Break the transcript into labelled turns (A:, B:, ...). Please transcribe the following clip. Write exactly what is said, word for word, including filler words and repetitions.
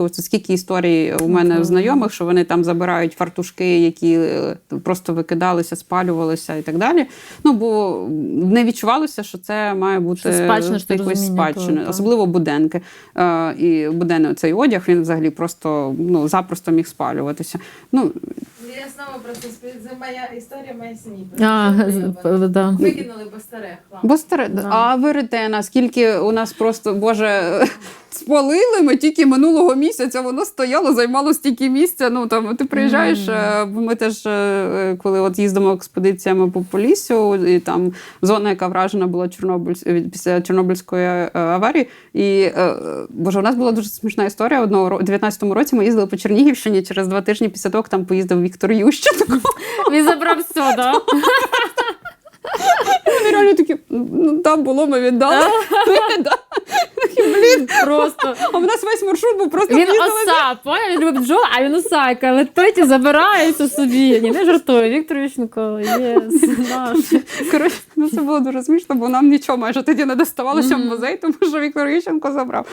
A: Це скільки історій у мене
B: Okay.
A: знайомих, що вони там забирають фартушки, які просто викидалися, спалювалися і так далі. Ну, бо не відчувалося, що це має бути
B: спадщина,
A: якоюсь спадщиною. Особливо буденки. Е, і буденний цей одяг, він взагалі просто, ну, запросто міг спалюватися. Ну,
C: я знову просто це моя історія, моя сім'ї.
B: А, да.
C: Викинули бо старе хлам.
A: бо старе.
B: Да.
A: А веретена, скільки у нас просто, Боже, спалили ми тільки минулого місяця, воно стояло, займало стільки місця. Ну, там, ти приїжджаєш, mm. ми теж, коли от їздимо експедиціями по Поліссю, і там зона, яка вражена була Чорнобиль, після Чорнобильської аварії, і, Боже, у нас була дуже смішна історія. Одного, у дев'ятнадцятому році ми їздили по Чернігівщині, через два тижні після того, як там поїздив Віктор Ющенко.
B: Він забрав все, да?
A: Вони реально такі, ну там було, ми віддали.
B: Блін, просто.
A: А в нас весь маршрут був просто...
B: Він оса, поняв? Він любить бджоли, а він осайка, летить і забирається собі. Ні, не жартую, Віктор Ющенко, єс, наш.
A: Коротше, ну це було дуже смішно, бо нам нічого майже тоді не доставалося в музей, тому що Віктор Ющенко забрав.